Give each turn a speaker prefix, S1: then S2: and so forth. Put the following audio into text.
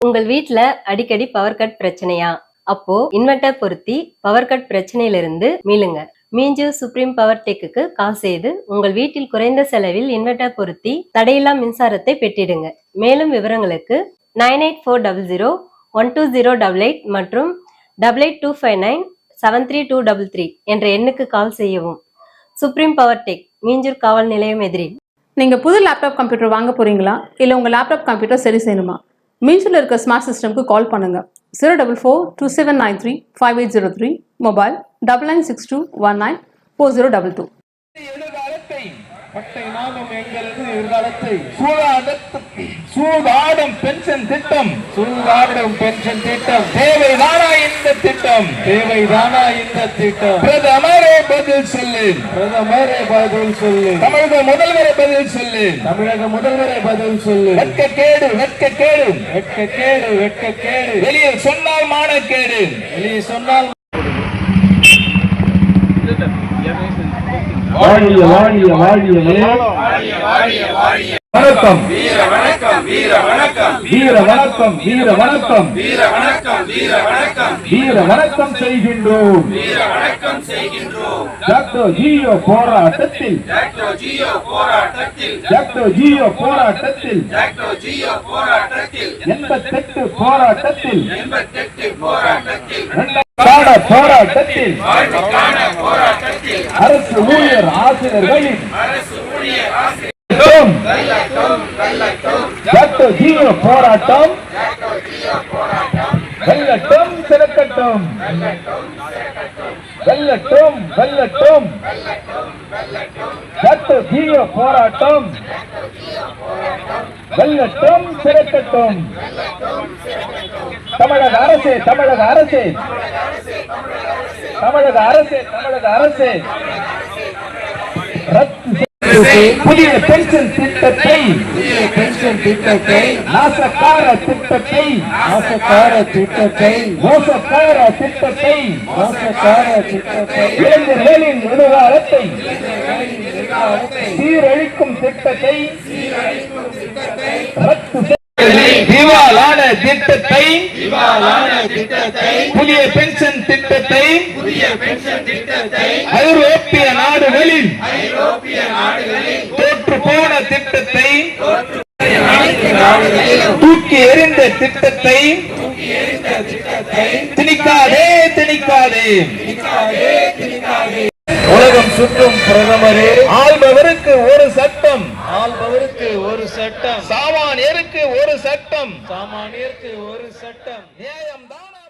S1: உங்கள் வீட்ல அடிக்கடி பவர் கட் பிரச்சனையா? அப்போ இன்வெர்டர் பொருத்தி பவர் கட் பிரச்சனையிலிருந்து மீளுங்க. மீஞ்சூர் சுப்ரீம் பவர் டெக்குக்கு கால் செய்து உங்கள் வீட்டில் குறைந்த செலவில் இன்வெர்டர் பொருத்தி தடையில்லா மின்சாரத்தை பெற்றிடுங்க. மேலும் விவரங்களுக்கு 9840012088 மற்றும் 8825973233 என்ற எண்ணுக்கு கால் செய்யவும். சுப்ரீம் பவர் டெக், மீஞ்சூர் காவல் நிலையம் எதிரில்.
S2: நீங்க புது லேப்டாப் கம்ப்யூட்டர் வாங்க போறீங்களா? இல்ல உங்க லேப்டாப் கம்ப்யூட்டர் சரி செய்யணுமா? மீஞ்சூர்ல இருக்க ஸ்மார்ட் சிஸ்டம்க்கு கால் பண்ணுங்க. 04427935803, மொபைல் 9962194022.
S3: சூதாடும் பென்ஷன் திட்டம், சூதாடும் பென்ஷன் திட்டம் தேவைதானா இந்த திட்டம்? தேவைதானா இந்த திட்டம்? பிரதமரே பதில் சொல்லு, பிரதமரே பதில் சொல்லு, தமிழக முதல்வரே பதில் சொல்லு, தமிழக முதல்வரே பதில் சொல்லு. வெட்க கேடு, வெட்க கேடு, வெட்க கேடு, வெட்க கேடு. வெளியே சொன்னால் மானக்கேடு, வெளியே சொன்னால். வாழிய வாழிய வாழியவே, வணக்கம் வீர வணக்கம், வீர வணக்கம், வீர வணக்கம், வீர வணக்கம், வீர வணக்கம், வீர வணக்கம், வீர வணக்கம் செய்கின்றோம், வீர வணக்கம் செய்கின்றோம். டாக்டர் ஜியோ போராட்டத்தில், டாக்டர் ஜியோ போராட்டத்தில், டாக்டர் ஜியோ போராட்டத்தில், டாக்டர் ஜியோ போராட்டத்தில், 88 போராட்டத்தில், 88 போராட்டத்தில், போராட்டத்தில், அரசு ஊழியர் ஆசிரியர்களின், அரசு ஊழியர் ஆசிரியர் டாக்டர் ஜியோ போராட்டம் வெல்லட்டும், சிறக்கட்டும், வெல்லட்டும், வெல்லட்டும். டாக்டர் ஜியோ போராட்டம் வெல்லட்டும், சிறக்கட்டும். தமிழக அரசே, தமிழக அரசே, தமிழக அரசே, தமிழக அரசே, புதிய பென்ஷன் திட்டத்தை, புதிய பென்ஷன் திட்டத்தை, நாசக்கார திட்டத்தை, நாசக்கார திட்டத்தை, மோசக்கார திட்டத்தை, மோசக்கார திட்டத்தை, இளைஞர்களின் எதிர்காலத்தை சீரழிக்கும் திட்டத்தை ரத்து திவாலான திட்டத்தை, திவாலான திட்டத்தை, புதிய பென்ஷன் திட்டத்தை, புதிய பென்ஷன் திட்டத்தை, ஐரோப்பிய நாடுகளில், ஐரோப்பிய நாடுகளில் தோற்று போன திட்டத்தை, தூக்கி எறிந்த திட்டத்தை, திணிக்காதே, திணிக்காதே, உலகம் சுற்றும் பிரதமரே, ஆள்பவருக்கு ஒரு சட்டம், ஆள்பவருக்கு ஒரு சட்டம், சாமானியருக்கு ஒரு சட்டம், சாமானியருக்கு ஒரு சட்டம், நியாயம் தான.